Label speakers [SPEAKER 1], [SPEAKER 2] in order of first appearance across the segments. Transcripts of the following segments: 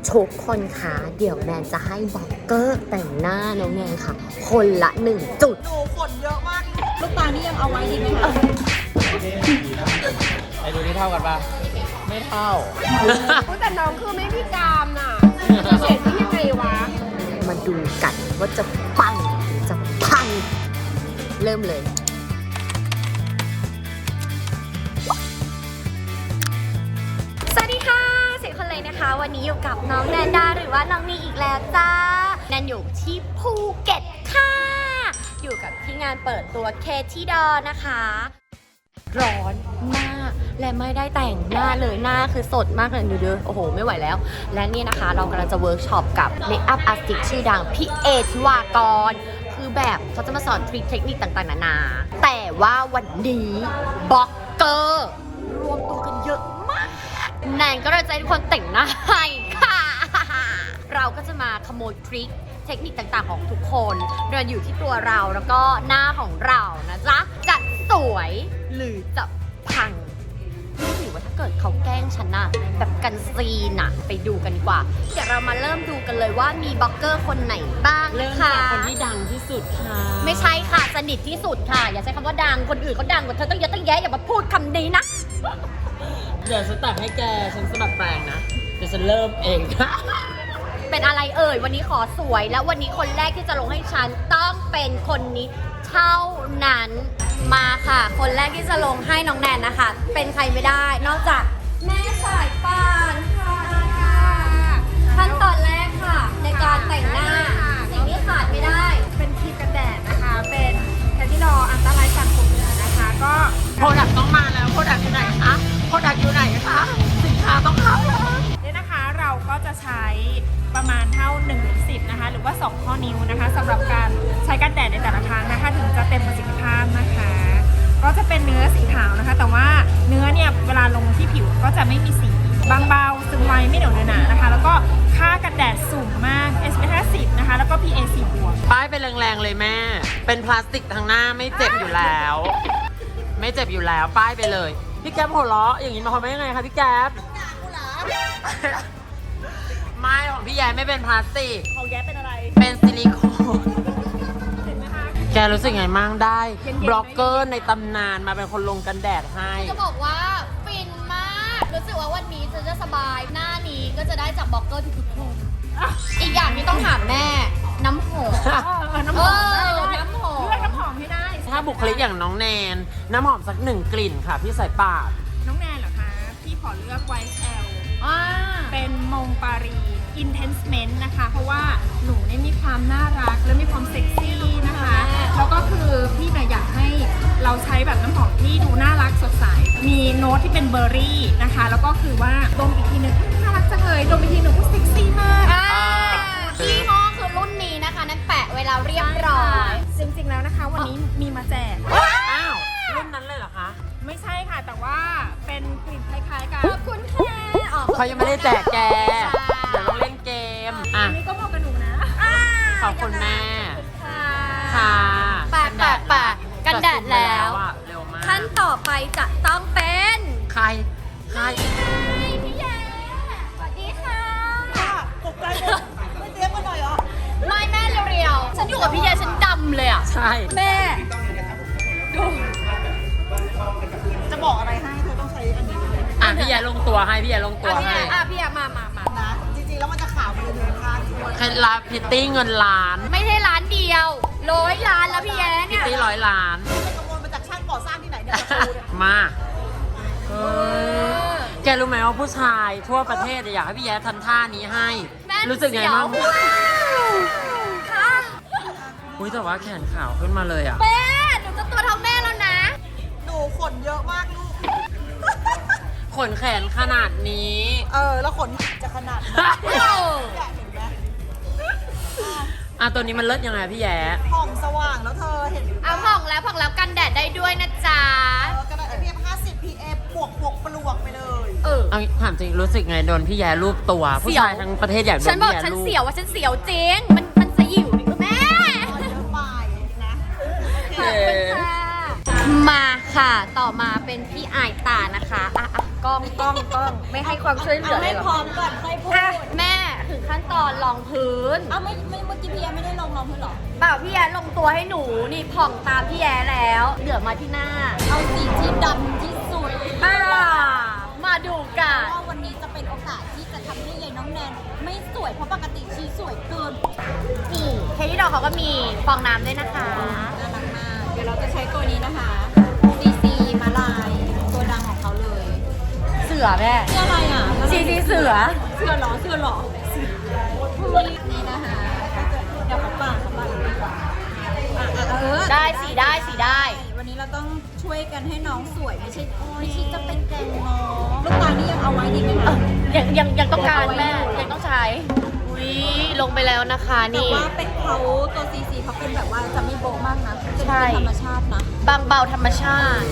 [SPEAKER 1] ทุกคนคะเดี๋ยวแนนจะให้บล็อกเกอร์แต่งหน้าน้องแนนค่ะ คนละ1 จุด
[SPEAKER 2] หนูขนเยอะมากลูกตานี่ยังเอาไว้ดีไหมคะ
[SPEAKER 3] ไอ้ดูนี่เท่ากันปะไม่เท่า
[SPEAKER 2] แต่น้องคือไม่มีกรามน่ะเห็นได้ยังไงวะ
[SPEAKER 1] มาดูกันว่าจะปังหรือจะพัง เริ่มเลย สวัสดีค่ะเสียงคนเลยนะคะ วันนี้อยู่กับน้องแนนดาหรือว่าน้องนีอีกแล้วจ้าแนนอยู่ที่ภูเก็ตค่ะ อยู่กับที่งานเปิดตัวเคที่ดอนะคะ ร้อนมากและไม่ได้แต่งหน้าเลยหน้าคือสดมากเลยดูดิโอ้โหไม่ไหวแล้ว และนี่นะคะเรากำลังจะเวิร์กช็อปกับเมคอัพอาร์ติสต์ชื่อดังพี่เอทิวากรคือแบบเขาจะมาสอนทริคเทคนิคต่างๆนานาแต่ว่าวันนี้บล็อกเกอร์รวมตัวกันเยอะมากแนนก็เลยจะให้ทุกคนแต่งหน้าให้ค่ะ เราก็จะมาขโมยทริคเทคนิคต่างๆของทุกคนโดยอยู่ที่ตัวเราแล้วก็หน้าของเรานะจ๊ะจะสวยหรือจะพังหรือว่าถ้าเกิดเขาแกล้งฉันน่ะแบบกันซีนน่ะไปดูกันดีกว่าเดี๋ยวเรามาเริ่มดูกันเลยว่ามีบล็อกเกอร์คนไหนบ้าง
[SPEAKER 3] เริ่ม
[SPEAKER 1] ค่ะ
[SPEAKER 3] จากคนที่ดังที่สุดค่ะ
[SPEAKER 1] ไม่ใช่ค่ะสนิทที่สุดค่ะอย่าใช้คำว่าดังคนอื่นเขาดังกว่าเธอต้องเยอะต้องแยะอย่ามาพูดคำนี้นะ
[SPEAKER 3] เดี๋ยวฉันตักให้แกฉันสมัครแปลงนะเดี๋ยวฉันเริ่มเองค่ะ
[SPEAKER 1] เป็นอะไรเอ่ยวันนี้ขอสวยแล้ววันนี้คนแรกที่จะลงให้ฉันต้องเป็นคนนี้เท่านั้นมาค่ะ คนแรกที่จะลงให้น้องแนนนะคะเป็นใครไม่ได้ นอกจากแม่สายป่านค่ะขั้นตอนแรกค่ะ ในการแต่งหน้าสิ่งที่ขาดไม่ได้
[SPEAKER 2] เป็นครีมกันแดดนะคะ เป็นแคทิดออันตรายจากผมนะคะ ก็
[SPEAKER 3] โปรดักต์ต้องมาแล้วโปรดักต์อยู่ไหนคะโปรดักต์อยู่ไหนคะสินค้าต้องเข้าแล้ว
[SPEAKER 2] เนี่ยนะคะเราก็จะใช้ประมาณเท่า1-10นะคะหรือว่า2ข้อนิ้วนะคะสำหรับการใช้กันแดดในแต่ละครั้งนะคะถึงจะเต็มประสิทธิภาพนะคะ ก็จะเป็นเนื้อสีขาวนะคะ แต่ว่าเนื้อเนี่ยเวลาลงที่ผิวก็จะไม่มีสีบางเบาซึมไวไม่เหนียวเนื้อหนานะคะ แล้วก็ค่ากันแดดสูงมาก SPF 50นะคะแล้วก็ PA 4 บวก
[SPEAKER 3] ป้ายไปแรงๆเลยแม่ เป็นพลาสติกทางหน้าไม่เจ็บอยู่แล้ว ไม่เจ็บอยู่แล้วป้ายไปเลยพี่แก๊ปหัวเราะอย่างนี้มาความว่ายังไงคะพี่แก๊ปไม่ของพี่แย้ไม่เป็นพลาสติก
[SPEAKER 2] ของแย้เป็นอะไร
[SPEAKER 3] เป็นซิลิโคน
[SPEAKER 2] เห็นไหมคะ
[SPEAKER 3] แกรู้สึกไงมั่งได้
[SPEAKER 2] เย็นๆไหม
[SPEAKER 3] บล็อกเกอร์ในตำนานมาเป็นคนลงกันแดดให้
[SPEAKER 1] จะบอกว่าฟินมากรู้สึกว่าวันนี้ฉันจะสบายหน้านี้ก็จะได้จากบล็อกเกอร์ทุกๆคนอีกอย่างที่ต้องถามแม่น้ำหอม
[SPEAKER 2] น้ำหอมได้
[SPEAKER 1] น้ำหอม
[SPEAKER 2] เลือกน้ำหอมให้ได้
[SPEAKER 3] ถ้าบุคลิกอย่างน้องแนน น้ำหอมสัก1 กลิ่นค่ะ พี่สายป่าน
[SPEAKER 2] น้องแนนเหรอคะพี่ขอเลือก YSL
[SPEAKER 1] อ่า
[SPEAKER 2] เป็นมงปารี Intensement นะคะ เพราะว่าหนูเนี่ยมีความน่ารักและมีความเซ็กซี่นะคะ แล้วก็คือพี่เนี่ยอยากให้เราใช้แบบน้ำหอมที่ดูน่ารักสดใส มีโน้ตที่เป็นเบอร์รี่นะคะ แล้วก็คือว่าดมอีกทีหนึ่งน่ารักจังเลยดมอีกทีหนึ่งก็เซ็กซี่มาก
[SPEAKER 1] ยี่ห้อคือรุ่นนี้นะคะนั่นแปะเวลาเรียบร้อย
[SPEAKER 2] จริงๆแล้วนะคะ วันนี้มีมาแจก
[SPEAKER 3] อ้าวรุ่นนั้นเลยเหรอคะ
[SPEAKER 2] ไม่ใช่ค่ะ แต่ว่าเป็นกลิ่นคล้ายๆกัน
[SPEAKER 1] ขอบคุณค่ะอ๋อ
[SPEAKER 3] เขายังไม่ได้แจกแก เดี๋ยวต้องเล่นเกม อ่ะ
[SPEAKER 2] อันนี้ก็เหมาะกับหนูนะ
[SPEAKER 3] ขอบคุณแม่
[SPEAKER 1] ค่ะ
[SPEAKER 3] ค่ะ
[SPEAKER 1] แปะกันแดดแล้ว
[SPEAKER 3] อะเร็วมาก
[SPEAKER 1] ขั้นต่อไปจะต้องเป็น
[SPEAKER 3] ใคร ใคร
[SPEAKER 1] พี่แย้สวัสดีค่ะ
[SPEAKER 2] ตกใจหมดไม่เตรียมกันหน่อยเหรอ
[SPEAKER 1] ไม่แม่เรียวๆฉันอยู่กับพี่แย้ฉันดำเลยอ่ะ
[SPEAKER 3] ใช่
[SPEAKER 1] แม่
[SPEAKER 2] จะบอกอะไรให้เธอต้องใช้อันนี้เลย
[SPEAKER 3] อ่ะพี่แย่ลงตัวให้ พี่แย่ลงตัว
[SPEAKER 1] พี่
[SPEAKER 3] ให้
[SPEAKER 1] แย้พี่แย้มา
[SPEAKER 2] นะ จริงๆ แล้วมันจะขาวไปเลยหนึ่งข้าง
[SPEAKER 3] เคล็ดลับพิตตี้เงินล้าน
[SPEAKER 1] ไม่ใช่ร้านเดียว100 ล้านแล้วพี่แย้
[SPEAKER 3] พิ
[SPEAKER 1] เนี่
[SPEAKER 3] ต
[SPEAKER 1] ย
[SPEAKER 3] ตี้100 ล้าน
[SPEAKER 2] ไปขโมยมาจากช่างก่อสร้างที่ไหนเนี่ยตะปูเนี่ย
[SPEAKER 3] มาเฮ้ยแกรู้ไหมว่าผู้ชายทั่วประเทศอยากให้พี่แย้ทำท่านี้ให้
[SPEAKER 1] แม่
[SPEAKER 3] รู้สึกไงบ้าง
[SPEAKER 1] เสียวค่ะ
[SPEAKER 3] อุ้ยแต่ว่าแขนขาวขึ้นมาเลยอ่ะ
[SPEAKER 1] แม่หนูจะตัวเท่าแม่แล้วนะ
[SPEAKER 2] หนูขนเยอะมากลูก
[SPEAKER 3] ขนแขนขนาดนี้
[SPEAKER 2] แล้วขนจะขนาดไหนอยากเห็นไหม
[SPEAKER 3] อ่ะตัวนี้มันเลิศยังไงพี่แย้
[SPEAKER 2] ผ่องสว่างแล้วเธอเห็น
[SPEAKER 1] เอาผ่องแล้วกันแดดได้ด้วยนะจ๊ะ
[SPEAKER 2] กระดาษ SPF 50 PA บวกปลวกไปเลย
[SPEAKER 3] เอาถามจริงรู้สึกไงโดนพี่แย้รูปตัว ผู้ชายทั้งประเทศอยากโดน
[SPEAKER 1] ฉันบอก
[SPEAKER 3] พี่แย้
[SPEAKER 1] ฉัน
[SPEAKER 3] รูป
[SPEAKER 1] เสียวว่าฉันเสียวจริง มันสยิวดิแม่
[SPEAKER 2] เยอะไปนะ
[SPEAKER 1] ขอบคุณค่ะ มาค่ะ ต่อมาเป็นพี่อายตานะคะกล้องไม่ให้ความช่วยเหลือเลยเหรอ
[SPEAKER 2] พร้อมก่อนค่อยพูด
[SPEAKER 1] แม่องพื้น
[SPEAKER 2] เอ้าไม่เมื่อกี้พี่แอไม่ได้ลงรองพื้นหรอ
[SPEAKER 1] เปล่าพี่แย้ลงตัวให้หนูนี่ผ่องตามพี่แย้แล้วเหลือมาที่หน้า
[SPEAKER 2] เอาสีที่ดำที่สุด
[SPEAKER 1] มาดูกัน
[SPEAKER 2] ว่าวันนี้จะเป็นโอกาสที่จะทำให้ยายน้องแนนไม่สวยเพราะปกติชีสวยเกิน
[SPEAKER 1] นี่เฮดี้ดอกเขาก็มีฟองน้ำด้วยนะคะ
[SPEAKER 2] น่ารักมากเดี๋ยวเราจะใช้ตัวนี้นะคะ CC มาลายตัวดังของเขาเลย
[SPEAKER 1] เสือแม่
[SPEAKER 2] เสื้ออะไรอ่ะ
[SPEAKER 1] ซีซีเสือ
[SPEAKER 2] เสื้อหรอนี่นะคะเดี๋ยวเขาปากดีกว่า
[SPEAKER 1] ได้สีได้สีได้
[SPEAKER 2] วันนี้เราต้องช่วยกันให้น้องสวยไม่ใช่จะเป็นแกงน้องลูกตาลนี่ยังเอาไว้ดีไหมคะ
[SPEAKER 1] ยังต้องการแม่ยังต้องใช้อุ้ยลงไปแล้วนะคะ
[SPEAKER 2] แต่
[SPEAKER 1] นี่
[SPEAKER 2] ว่าเป็นเขาตัว CC เขาเป็นแบบว่าจะไม่โบ๊ะมากนะจะ
[SPEAKER 1] ใช่
[SPEAKER 2] เป็นธรรมชาตินะ
[SPEAKER 1] บางเบาธรรมชาติ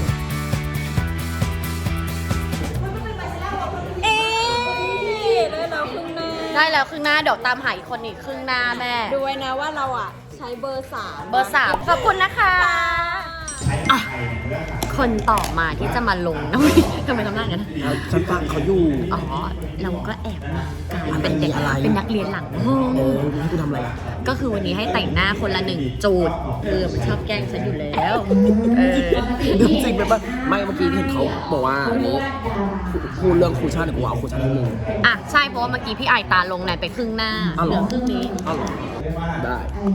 [SPEAKER 2] เอ๊ได้แล้วครึ่งหน้า
[SPEAKER 1] ได้แล้วครึ่งหน้าเดี๋ยวตามหาอีกคนอีกครึ่งหน้าแม่
[SPEAKER 2] ดูไว้นะว่าเราอ่ะใช้เบอร์3
[SPEAKER 1] เบอร์ 3 ขอบคุณนะคะอ่ะคนต่อมาที่จะมาลงนะ ทำไมทำหน้าอย่างนั้น
[SPEAKER 4] ฉันฟังเขาอยู่
[SPEAKER 1] อ๋อ เราก็แอบมากันเป็นเด็ก
[SPEAKER 4] อะไร
[SPEAKER 1] เป็นนักเรียนหลังห้อง
[SPEAKER 4] ให้กูทำอะไรอ่ะ
[SPEAKER 1] ก็คือวันนี้ให้แต่งหน้าคนละ1จูดมันชอบแกล้งฉันอยู่แล้วเออ
[SPEAKER 4] เรื่องจริงไหมปะไม่เมื่อกี้เห็นเขาบอกว่าพูดเรื่องครูชาติเนี่ยกูเอาครูชาติให้มึง
[SPEAKER 1] อ่ะใช่เพราะว่าเมื่อกี้พี่ไอตาลงไหนไปครึ่งหน้า
[SPEAKER 4] อ้าว
[SPEAKER 1] เห
[SPEAKER 4] เหร
[SPEAKER 1] ลื
[SPEAKER 4] อ
[SPEAKER 1] อครึ่งนี้
[SPEAKER 4] อ้าวเหรอได้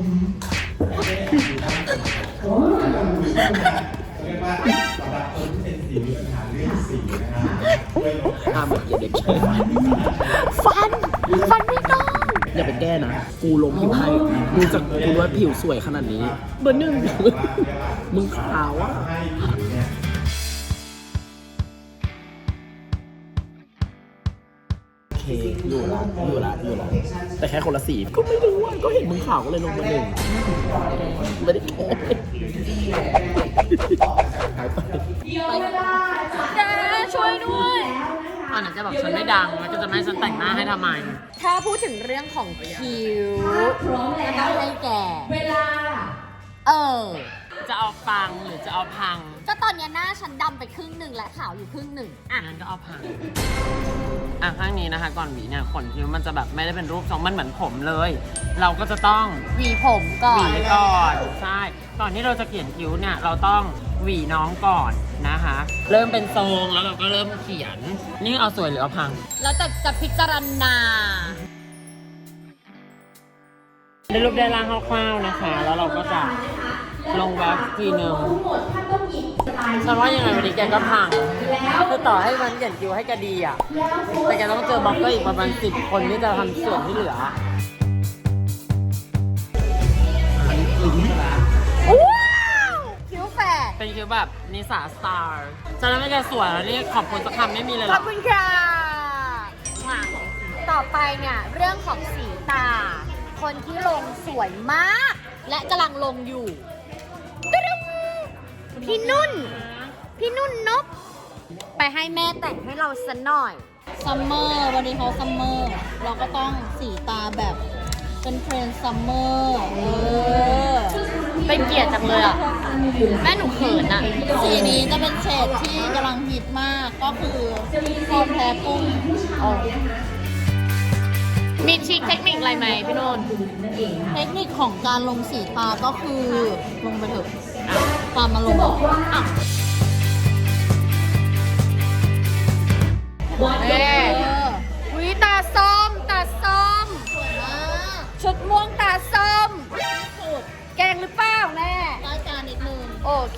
[SPEAKER 4] ห้ามอย่าเด็กเชย
[SPEAKER 1] ฟันไม่ต้อง
[SPEAKER 4] อย่าไปแก้นะ กูลงผิวให้ดูจากกูว่าผิวสวยขนาดนี้
[SPEAKER 1] เบอร์ 1
[SPEAKER 4] มึงขาวอ่ะโอเคอยู่ละแต่แค่คนละสีก็ไม่รู้อ่ะก็เห็นมึงขาวก็เลยลงมา1ไม่ได้แก้หายไป
[SPEAKER 1] แกช่วยด้วย
[SPEAKER 3] อันนั้นจะบอกฉันไม่ดังแล้วก็จะไม่ให้ฉันแต่งหน้าให้ทำไม
[SPEAKER 1] ถ้าพูดถึงเรื่องของคิ้วก็ต้องให้แก
[SPEAKER 3] จะเอาปังหรือจะเอาพัง
[SPEAKER 1] ก็ตอนเนี้ยหน้าฉันดำไปครึ่งหนึ่งและขาวอยู่ครึ่งหนึ่งอ่ะ
[SPEAKER 3] งั้นก็เอาพังข้างนี้นะคะ ก่อนหวีเนี่ยขนคิ้วมันจะแบบไม่ได้เป็นรูปทรงมันเหมือนผมเลย เราก็จะต้อง
[SPEAKER 1] หวีผมก่อ
[SPEAKER 3] หวี
[SPEAKER 1] น
[SPEAKER 3] ก่อนใช่ก่อนที่เราจะเขียนคิ้วเนี่ยเราต้องหวีน้องก่อนนะคะ เริ่มเป็นทรงแล้วเราก็เริ่มเขียน นี่เอาสวยหรือเอาพัง
[SPEAKER 1] แล้วจะพิจารณา
[SPEAKER 3] ได้รูปได้ร่างคร่าวๆนะคะ แล้วเราก็จะลงแว็กซ์ทีนึงฉันว่ายังไงวันนี้แกก็พังคือต่อให้มันเขียนคิ้วให้แกดีอ่ะแต่แกต้องเจอบล็อกเกอร์อีกประมาณ10 คนที่จะทำส่วนที่เหลือ
[SPEAKER 1] ว้าวคิ้วแฝด
[SPEAKER 3] เป็นคิ้วแบบนิสาสตาร์ฉันไม่แกสวยแล้วนี่ขอบคุณสักคำไม่มีเลยห
[SPEAKER 1] ข
[SPEAKER 3] ร
[SPEAKER 1] อ
[SPEAKER 3] อบ ก
[SPEAKER 1] คุณค่ะมาต่อไปเนี่ยเรื่องของสีตา คนที่ลงสวยมาก และกำลังลงอยู่ตึ๊ดพี่นุ่นนบไปให้แม่แต่งให้เราสักหน่อย
[SPEAKER 2] ซัมเมอร์วันนี้เขาซัมเมอร์เราก็ต้องสีตาแบบเป็นเทรนด์ซัมเมอร์
[SPEAKER 1] เป็นเกียรติจังเลยอ่ะ แม่หนูเขินอ่ะ
[SPEAKER 2] สีนี้จะเป็นเฉดที่กำลังฮิตมากก็คือพรแพ้กุ้ง
[SPEAKER 1] มีทริคเทคนิคอะไรไหมพี่นุ่น
[SPEAKER 2] เทคนิคของการลงสีตาก็คือลงไปเถอะตามมาลงอ่ะ
[SPEAKER 1] เอ๊วิตาส้ม
[SPEAKER 2] สวยมาก
[SPEAKER 1] ชุดม่วงตาส้ม
[SPEAKER 2] ที่สุด
[SPEAKER 1] แกงหรือเปล่าแม่
[SPEAKER 2] รายการนิดนึง
[SPEAKER 1] โอเค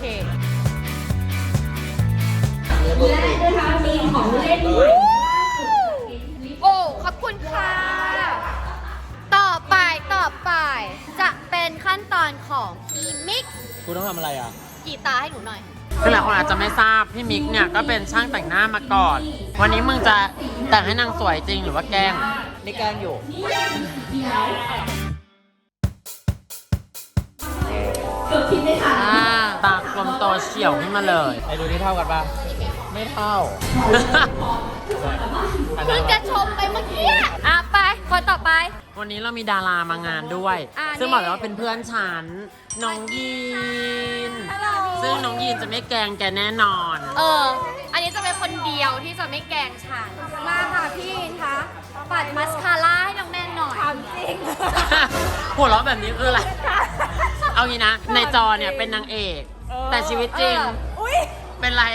[SPEAKER 1] โอ้ ขอบคุณค่ะ ต่อไปจะเป็นขั้นตอนของพี่มิกซ์
[SPEAKER 4] กูต้องทำอะไรอ่ะ
[SPEAKER 1] กีตาร์ให้หนูหน่อย
[SPEAKER 3] คือหลายคนอาจจะไม่ทราบพี่มิกเนี่ยก็เป็นช่างแต่งหน้ามาก่อน วันนี้มึงจะแต่งให้นางสวยจริงหรือว่าแกล้ง
[SPEAKER 4] นี่แกล้งอยู่
[SPEAKER 3] ตากลมโตเฉียวขึ้นมาเลย
[SPEAKER 4] ไอ้ดูนี่เท่ากันปะไม่เท่า
[SPEAKER 1] เพิ่งจะชมไปเมื่อกี้อ่ะไปคนต่อไป
[SPEAKER 3] วันนี้เรามีดารามางานด้วย ซึ่งบอกเลยว่าเป็นเพื่อนฉัน น้องยีน ซึ่งน้องยีนจะไม่แกล้งแกแน่นอน
[SPEAKER 1] อันนี้จะเป็นคนเดียวที่จะไม่แกล้งฉัน มาค่ะพี่คะปัดมัสคาร่าให้น้องแนนหน่อย
[SPEAKER 2] ถามจริง
[SPEAKER 3] หัวเราะแบบนี้คืออะไร เอางี้นะ ในจอเนี่ยเป็นนางเอก แต่ชีวิตจริง
[SPEAKER 2] อุ้ย
[SPEAKER 3] เป็นไร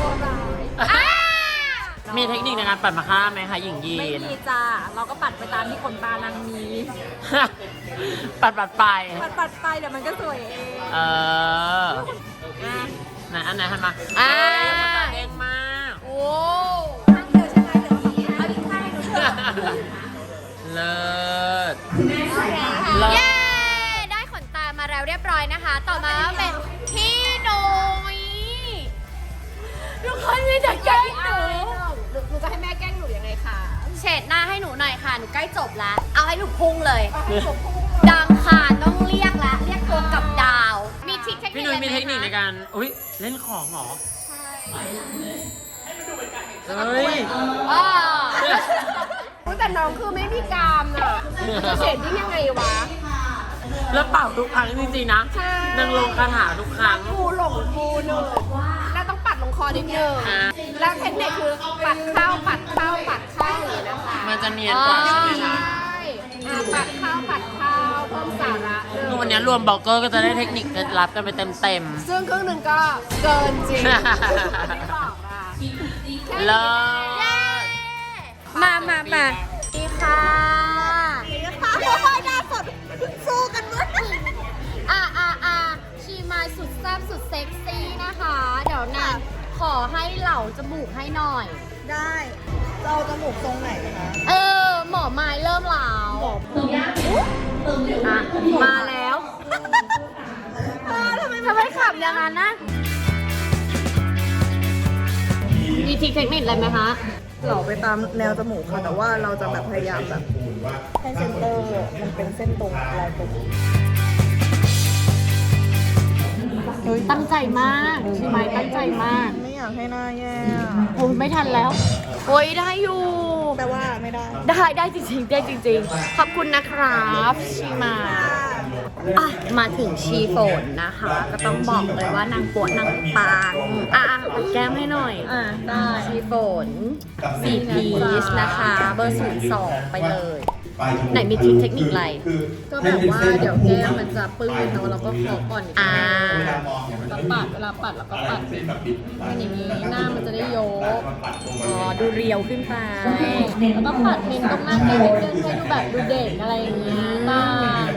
[SPEAKER 3] มีเทคนิคในการปัดมาค่าไหมคะหญิงยี
[SPEAKER 2] ไม่
[SPEAKER 3] น
[SPEAKER 2] มีจ้าเราก็ปัดไปตามที่ขนตานางมี
[SPEAKER 3] ปัดไป
[SPEAKER 2] ปัดไปเดี๋ยวมันก็สวยเอง
[SPEAKER 3] เออไหนอันไหนหันมาเด้งมาก
[SPEAKER 1] โอ้
[SPEAKER 2] ข้างเดียวใช่ไหมเดี๋ยวเอาอีกข้างให้หนูเถอะ
[SPEAKER 3] เลิศ
[SPEAKER 1] เย้ ได้ขนตามาแล้วเรียบร้อยนะคะ ต่อมาเป็นพี่หนุยทุกคนมีแต่แกล้งหนู
[SPEAKER 2] หนูจะให้แม่แกล้งหนูยังไงคะ
[SPEAKER 1] เฉดหน้าให้หนูหน่อยค่ะ หนูใกล้จบแล้ว เอาให้หนูพุ่งเลย ดังค่ะต้องเรียกแล้ว เรียกตัวกับดาว มีทริคเทคนิค
[SPEAKER 3] พี่นุ้ยมีเทคนิคใน
[SPEAKER 1] อะไรไหมะ
[SPEAKER 3] การอุ้ยเล่นของเหรอเฮ้ย
[SPEAKER 1] อ้อ
[SPEAKER 2] แต่น้องคือไม่มีกรามน่ะจะเฉดดิ้งยังไงวะ
[SPEAKER 3] แล้วเป่าทุกครั้งจริงๆนะ
[SPEAKER 2] ใช่
[SPEAKER 3] นางลงคาถาทุกครั้ง
[SPEAKER 2] กูหลงกูหนึ่งแล้วต้องปัดลงคอนิดนึง
[SPEAKER 3] อ่า
[SPEAKER 2] แล้วเทคนิคคือปัดเข้าปัดเข้าปัดเข้าอย่างนี้นะคะ
[SPEAKER 3] มันจะเนียนกว่าใช่ไหมคะ
[SPEAKER 2] ใช่ปัดเข้าปัดเข้าเพิ่มสาระหนึ่ง
[SPEAKER 3] คือวันนี้รวมบล็อกเกอร์ก็จะได้เทคนิคเคล็ดลับกันไปเต็ม
[SPEAKER 2] ซึ่งครึ่งหนึ่งก็เกินจริงไม่บอกอ่ะ
[SPEAKER 3] ๆเลิศ
[SPEAKER 1] มาดีค่ะดีค่ะโอ้ยหน้าสดสู้กันเมื่อชีมายสุดแซ่บสุดเซ็กซี่นะคะ เดี๋ยวนะขอให้เหล่าจมูกให้หน่อย
[SPEAKER 5] ได้เราจมูกทรงไหนคะ
[SPEAKER 1] หมอไม้เริ่มเหลาอ่ะมาแล้วทำไมขับอย่างนั้นนะ มีทริคเทคนิคอะไรไหมคะ
[SPEAKER 5] เราไปตามแนวจมูกค่ะ แต่ว่าเราจะแบบพยายามแบบให้เซนเตอร์มันเป็นเส้นตรงลายตรง
[SPEAKER 1] ตั้งใจมากชีมายตั้งใจมาก
[SPEAKER 5] ไม่อยากให้หน้าแย่
[SPEAKER 1] โอ้ยไม่ทันแล้ว โอ้ยได้อยู่
[SPEAKER 5] แต่ว่าไม่ได้
[SPEAKER 1] ได้จริงๆได้จริงๆ ขอบคุณนะครับชีมาอ่ะมาถึงชีฝนนะคะ ก็ต้องบอกเลยว่านางปวดนางปางปัดแก้มให้หน่อย
[SPEAKER 5] ได้
[SPEAKER 1] ชีฝน4 พีชนะคะ เบอร์02ไปเลย ไหนมีทริคเทคนิคอะไร
[SPEAKER 5] ก็แบบว่าเดี๋ยวแก้มมันจะปื้นเนาะแล้วก็ขอก่อน แล้วปัดเวลาปัดแล้วก็ปัดมันอย่างนี้หน้ามันจะได้ยก
[SPEAKER 1] ดูเรียวขึ้นไป
[SPEAKER 5] แล้วก็ปัดเน้นตรงหน้าแก้มนิดนึงให้ดูแบบดูเด็กอะไรอย่างเงี้ยบ้าง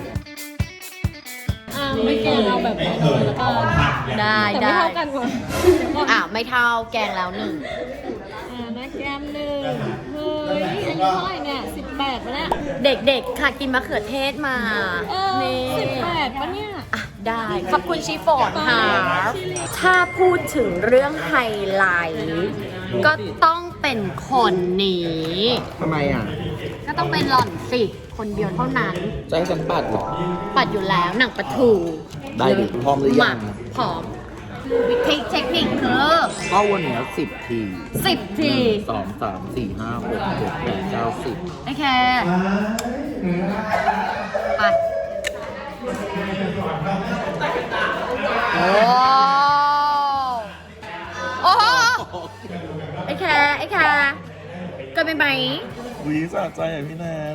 [SPEAKER 5] ไม่แก้เราแบบนี้แล้วก็
[SPEAKER 1] ได้
[SPEAKER 5] แต่ไม่เท่ากันว่ะ
[SPEAKER 1] ไม่เท่าแกงแล้วหนึ่ง
[SPEAKER 5] หน้าแก้มหนึ่งเฮ้ยอายุเท่าไหร่เนี่ย18ปะเนี่ย
[SPEAKER 1] เด็กๆ ค่ะกินมะเขือเทศมานี่
[SPEAKER 5] 18ปะเนี่ย
[SPEAKER 1] ได้ ขอบคุณชีฟอนค่ะ ถ้าพูดถึงเรื่องไฮไลท์ก็ต้องเป็นคนนี้
[SPEAKER 4] ทำไมอ่ะ
[SPEAKER 1] ก็ต้องเป็นหล่อนสิคนเดียวเท่านั้น
[SPEAKER 4] จะให้ฉันปัดเหรอ
[SPEAKER 1] ปัดอยู่แล้วหนังปลาทู
[SPEAKER 4] ได้ดิพร้อมหรือยัง
[SPEAKER 1] พร้อมวิธีเทคนิคคือ
[SPEAKER 4] ก็วันเนี้ย10 ที
[SPEAKER 1] 10 ที
[SPEAKER 4] 2 3 4 5 6 7 8 9 10
[SPEAKER 1] โอเค ไป โอ้โหไอ้แคเกินไปไหม
[SPEAKER 4] วีสะใจอ่ะพี่แนน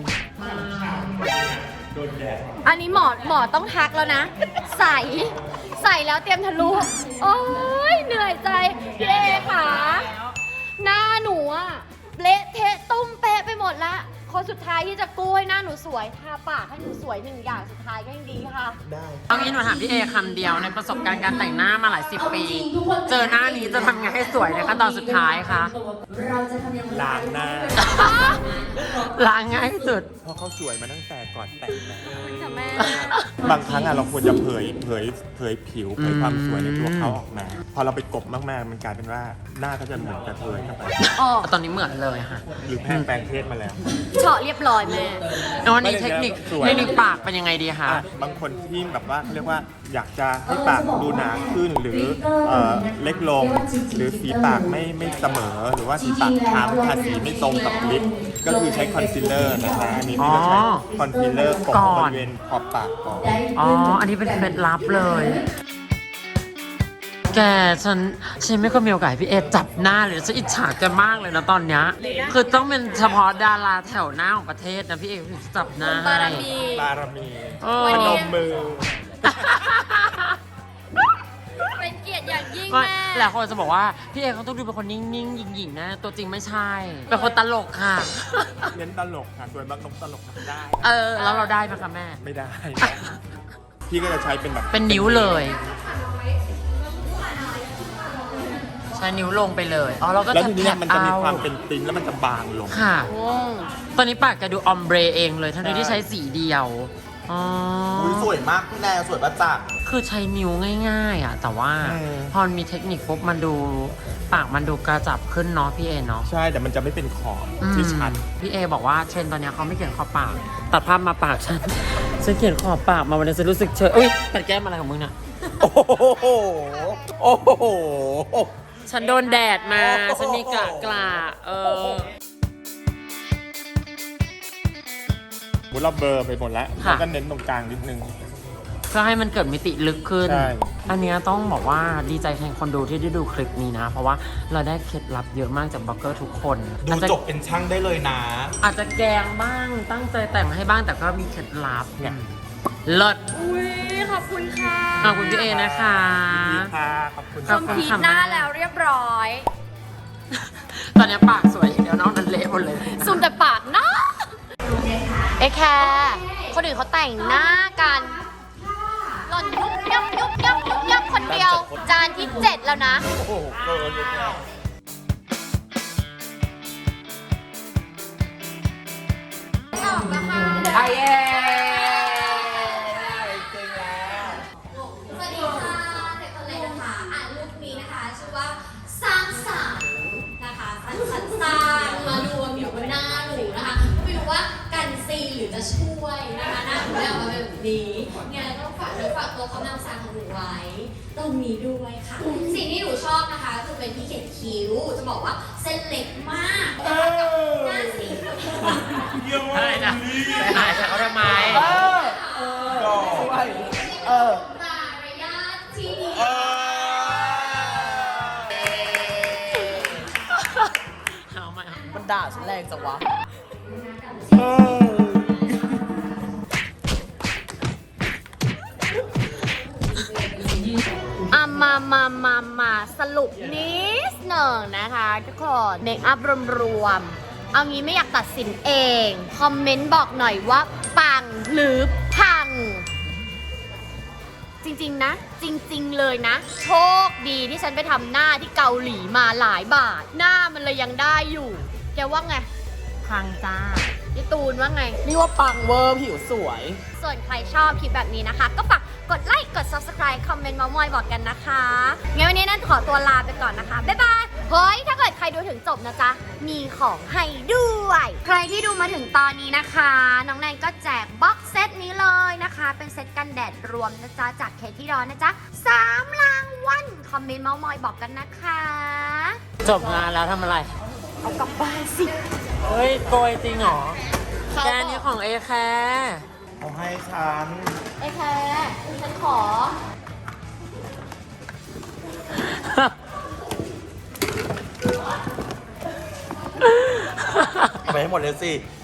[SPEAKER 1] อันนี้หมอต้องทักแล้วนะ ใส่แล้วเตรียมทะลุ โอ้ยเหนื่อยใจพี่เอค่ะ หน้าหนูอะเละเทะตุ้มเป๊ะไปหมดละคนสุดท้ายที่จะกู้ให้หน้าหนูสวยทาปากให้หนูสวย1 อย่างสุดท้ายก็ยังดีค่ะ
[SPEAKER 3] เอางี้หนูถามพี่เอคำเดียวในประสบการณ์การแต่งหน้ามาหลาย10 ปี เจอหน้านี้จะทำไงให้สวยในขั้นตอนสุดท้ายคะ
[SPEAKER 6] ล้างหน้า
[SPEAKER 3] ล้างง่ายที่สุด
[SPEAKER 6] เพราะเขาสวยมาตั้งแต่ก่อนแต่งหน้า
[SPEAKER 1] ค่ะแม่
[SPEAKER 6] บางครั้งอะเราควรจะเผยผิวเผยความสวยในตัวเขาออกมา พอเราไปกบมากๆมันกลายเป็นว่าหน้าก็จะเหมือนกระเทยเข้าไป
[SPEAKER 3] ตอนนี้เหมือนเลยค่ะ
[SPEAKER 6] หรือแพงแปลงเพศมาแล้ว
[SPEAKER 1] เฉาะเรียบร้อยแม่
[SPEAKER 3] แล้ววันนี้เทคนิค
[SPEAKER 6] สวย
[SPEAKER 3] เทคนิคปากเป็นยังไงดีคะ
[SPEAKER 6] บางคนที่แบบว่าเขาเรียกว่าอยากจะให้ปากดูหนาขึ้นหรือเล็กลง หรือสีปากไม่เสมอ หรือว่าสีปากค้ำทาสีไม่ตรงกับลิปก็คือใช้คอนซีลเลอร์นะคะอันนี้พี่ก็ใช้คอนซีลเลอร์กบบริเวณขอบปากก่อน
[SPEAKER 3] อ๋อ อันนี้เป็นเคล็ดลับเลยแกฉันไม่เคยมีโอกาสให้พี่เอจับหน้าเลยฉันอิจฉาแกมากเลยนะตอนเนี้ยคือต้องเป็นเฉพาะดาราแถวหน้าของประเทศนะพี่เอถึงจะจับหน้า
[SPEAKER 5] บาร
[SPEAKER 3] ให้
[SPEAKER 5] มี
[SPEAKER 6] บารมี
[SPEAKER 3] เออ
[SPEAKER 6] พนมมือ
[SPEAKER 5] เป็นเกียรติอย่างยิ่ง
[SPEAKER 3] ไม่
[SPEAKER 5] แม่
[SPEAKER 3] หลายคนจะบอกว่าพี่เอเขาต้องดูเป็นคนนิ่งๆหยิ่งๆนะตัวจริงไม่ใช่เป็นคนตลกค่ะ
[SPEAKER 6] เน้นตลกค่ะส่วนบางนกตลกทำได้
[SPEAKER 3] แล้วเราได้ไหมคะแม่
[SPEAKER 6] ไม่ได้ พี่ก็จะใช้เป็นแบบ
[SPEAKER 3] เป็นนิ้วเลย ใช้นิ้วลงไปเลยอ๋อเราก็
[SPEAKER 6] แล้ว
[SPEAKER 3] จะ
[SPEAKER 6] ทีนี้
[SPEAKER 3] แท็บ
[SPEAKER 6] มันจะมี
[SPEAKER 3] เอา
[SPEAKER 6] ความเป็นติ้นแล้วมันจะบางลง
[SPEAKER 3] ค่ะ ตอนนี้ปากแกดูออมเบรเองเลยทั้งที่ใช้สีเดียวอ๋อ
[SPEAKER 4] อุ้ยสวยมากพี่แนวสวยประจักษ์
[SPEAKER 3] คือใช้นิ้วง่ายๆอ่ะแต่ว่า
[SPEAKER 6] อืม
[SPEAKER 3] พอมีเทคนิคปุ๊บมันดูปากมันดูกระจับขึ้นเนาะพี่เอเนาะ
[SPEAKER 6] ใช่แต่มันจะไม่เป็นขอบที่ชัด
[SPEAKER 3] พี่เอบอกว่าเทรนด์ตอนเนี้ยเขาไม่เขียนขอบปาก ตัดภาพมาปากฉัน ฉันเขียนขอบปากมาวันนี้ฉันรู้สึกเฉยอุ้ยตัดแก้มอะไรของมึงเนี่ย
[SPEAKER 4] โอ้โหโอ้โห
[SPEAKER 3] ฉันโดนแดดมา ฉันมีกระกระ
[SPEAKER 6] มุดเราเบลอร์ไปหมดแล้ว
[SPEAKER 3] ค่ะ
[SPEAKER 6] แล้วก็เน้นตรงกลางนิดนึง
[SPEAKER 3] เพื่อให้มันเกิดมิติลึกขึ้น
[SPEAKER 6] ใช่
[SPEAKER 3] อันเนี้ยต้องบอกว่าดีใจแทนคนดูที่ได้ดูคลิปนี้นะ เพราะว่าเราได้เคล็ดลับเยอะมากจากบล็อกเกอร์ทุกคน
[SPEAKER 4] ดู
[SPEAKER 3] อาจจะ
[SPEAKER 4] จบเป็นช่างได้เลยนะ
[SPEAKER 3] อาจจะแกงบ้างตั้งใจแต่งให้บ้างแต่ก็มีเคล็ดลับเนี่ยเลิศ
[SPEAKER 5] อุ้ยขอบคุณค่ะ
[SPEAKER 3] ขอบคุณพี่เอนะคะ
[SPEAKER 6] ดีค่ะขอบคุณ
[SPEAKER 3] ขอบคุณ
[SPEAKER 5] พี
[SPEAKER 3] ค่ะ
[SPEAKER 5] หน้าแล้วเรียบร้อย
[SPEAKER 3] ตอนนี้ปากสวยอย่างเดียวนอกนั้นเละหมดเลย
[SPEAKER 5] ซุ่มแต่ปากเนาะ
[SPEAKER 1] เอแคร์คนอื่นเขาแต่งหน้ากันหล่อนยุบยับยุบยับยุบยับคนเดียว จานที่ 7 แล้วนะ
[SPEAKER 4] โอ้โหเกินเลยเนี่ย
[SPEAKER 3] ไอเอ
[SPEAKER 4] จริงแล้ว
[SPEAKER 1] สวัสดีค่ะเด็กคนเล็กนะคะอ่านรูปนี้นะคะชื่อว่าสร้างสรรค์นะคะสร้างมารวมอยู่บนหน้าหนูนะคะไม่รู้ว่ากันซีหรือจะช่วยนะคะหน้าหนูได้ออกมาเป็นแบบนี้งั้นต้องฝากตัวเขานำสารของหนูไว้ตรงนี้ด้วยค่ะ สิ่งที่หนูชอบนะคะคือเป็นที่เขียนคิ้วจะบอกว่าเส้นเล็กมากนะคะกับหน้าสี
[SPEAKER 3] อะไรนะไปหายเขาทำไม
[SPEAKER 1] มารยาทที่ดี
[SPEAKER 3] เอาไหม
[SPEAKER 4] มันด่าฉันแรงจังวะ
[SPEAKER 1] มาสรุปนิดหนึ่งนะคะทุกคนเมคอัพรวมๆเอางี้ไม่อยากตัดสินเอง คอมเมนต์บอกหน่อยว่าปังหรือพัง จริงๆนะ จริงๆเลยนะ โชคดีที่ฉันไปทำหน้าที่เกาหลีมาหลายบาท หน้ามันเลยยังได้อยู่ แกว่าไง
[SPEAKER 3] พังจ้า
[SPEAKER 1] พี่ตูนว่าไง
[SPEAKER 4] นี่ว่าปังเวอร์ผิวสวย
[SPEAKER 1] ส่วนใครชอบคลิปแบบนี้นะคะ ก็ฝากกดไลค์ กด subscribe คอมเมนต์มาม่อยบอกกันนะคะงั้นวันนี้นั่นขอตัวลาไปก่อนนะคะ บ๊ายบาย เฮ้ย ถ้าเกิดใครดูถึงจบนะจ๊ะ มีของให้ด้วย ใครที่ดูมาถึงตอนนี้นะคะ น้องแนนก็แจกบ็อกเซตนี้เลยนะคะ เป็นเซตกันแดดรวมนะจ๊ะ จากเคที่ร้อนนะจ๊ะ3รางวัลคอมเมนต์เมาส์มอยบอกกันนะคะ
[SPEAKER 3] จบงานแล้วทำอะไร
[SPEAKER 1] เอากลับบ้านสิ
[SPEAKER 3] เฮ้ยโกยจริงเหรอ แกนี่ของเอแคร์
[SPEAKER 4] เอาให้ฉัน
[SPEAKER 1] ไอ้แคร์ฉันขอ
[SPEAKER 4] เอาไปให้หมดเลยสิ